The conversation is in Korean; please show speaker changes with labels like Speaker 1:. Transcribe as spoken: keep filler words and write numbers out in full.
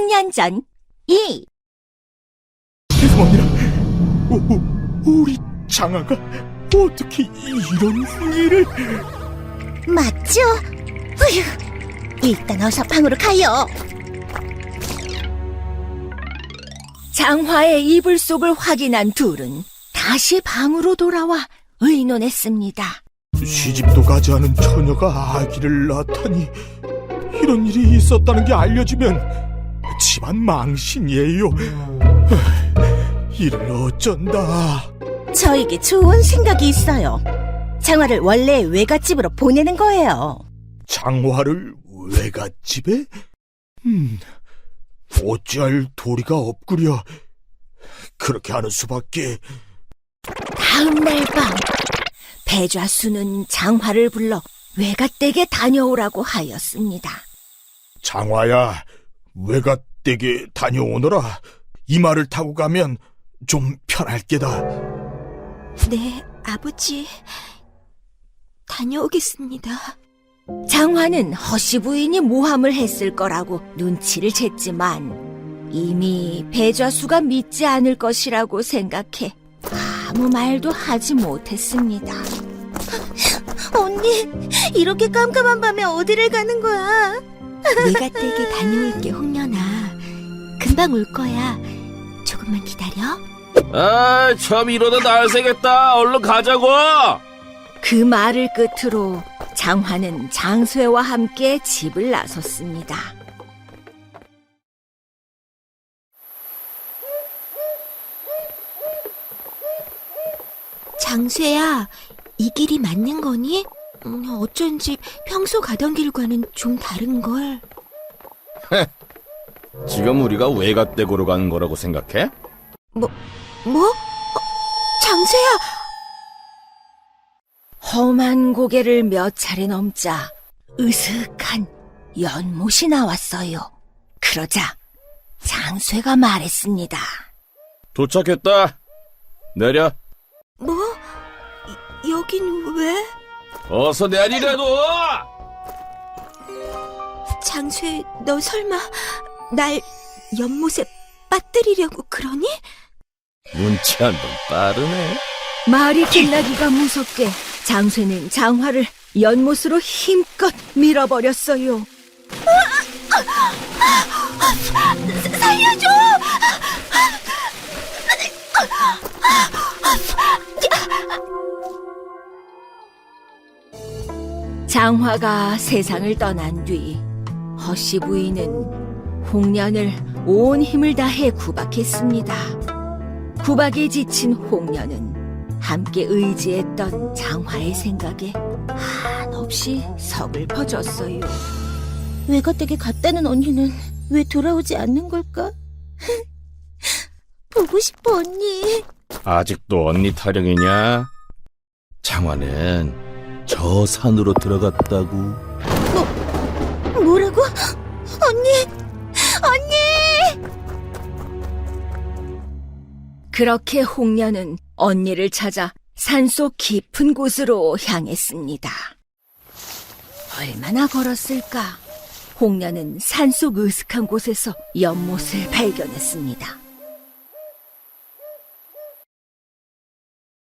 Speaker 1: 천 년 전, 이.
Speaker 2: 죄송합니다. 오, 우리 장아가 어떻게 이런 일을...
Speaker 1: 맞죠? 으휴, 일단 어서 방으로 가요. 장화의 이불 속을 확인한 둘은 다시 방으로 돌아와 의논했습니다.
Speaker 2: 시집도 가지 않은 처녀가 아기를 낳다니, 이런 일이 있었다는 게 알려지면 집안 망신이에요. 이를 어쩐다.
Speaker 1: 저에게 좋은 생각이 있어요. 장화를 원래 외갓집으로 보내는 거예요.
Speaker 2: 장화를 외갓집에? 음, 어찌할 도리가 없구려. 그렇게 하는 수밖에.
Speaker 1: 다음 날 밤, 배좌수는 장화를 불러 외갓댁에 다녀오라고 하였습니다.
Speaker 2: 장화야, 외갓댁에 다녀오너라. 이 말을 타고 가면 좀 편할 게다.
Speaker 1: 네, 아버지. 다녀오겠습니다. 장화는 허씨 부인이 모함을 했을 거라고 눈치를 챘지만 이미 배좌수가 믿지 않을 것이라고 생각해 아무 말도 하지 못했습니다. 언니, 이렇게 깜깜한 밤에 어디를 가는 거야? 외갓댁에 다녀올게, 홍련아. 금방 올 거야. 조금만 기다려.
Speaker 3: 아, 참 이러다 날 새겠다. 얼른 가자고.
Speaker 1: 그 말을 끝으로 장화는 장쇠와 함께 집을 나섰습니다. 장쇠야, 이 길이 맞는 거니? 음, 어쩐지 평소 가던 길과는 좀 다른걸.
Speaker 3: 지금 우리가 외갓댁으로 가는 거라고 생각해?
Speaker 1: 뭐? 뭐? 어, 장쇠야! 험한 고개를 몇 차례 넘자 으슥한 연못이 나왔어요. 그러자 장쇠가 말했습니다.
Speaker 3: 도착했다. 내려.
Speaker 1: 뭐? 이, 여긴 왜?
Speaker 3: 어서 내리라고.
Speaker 1: 장쇠, 너 설마 날 연못에 빠뜨리려고 그러니?
Speaker 3: 눈치 한 번 빠르네.
Speaker 1: 말이 끝나기가 무섭게 장쇠는 장화를 연못으로 힘껏 밀어버렸어요. 살려줘! 장화가 세상을 떠난 뒤 허씨 부인은 홍련을 온 힘을 다해 구박했습니다. 구박에 지친 홍련은 함께 의지했던 장화의 생각에 한없이 서글퍼졌어요. 외갓댁에 갔다는 언니는 왜 돌아오지 않는 걸까? 보고 싶어, 언니.
Speaker 3: 아직도 언니 타령이냐? 장화는 저 산으로 들어갔다고.
Speaker 1: 뭐, 뭐라고? 언니! 언니! 그렇게 홍련은 언니를 찾아 산속 깊은 곳으로 향했습니다. 얼마나 걸었을까? 홍련은 산속 으슥한 곳에서 연못을 발견했습니다.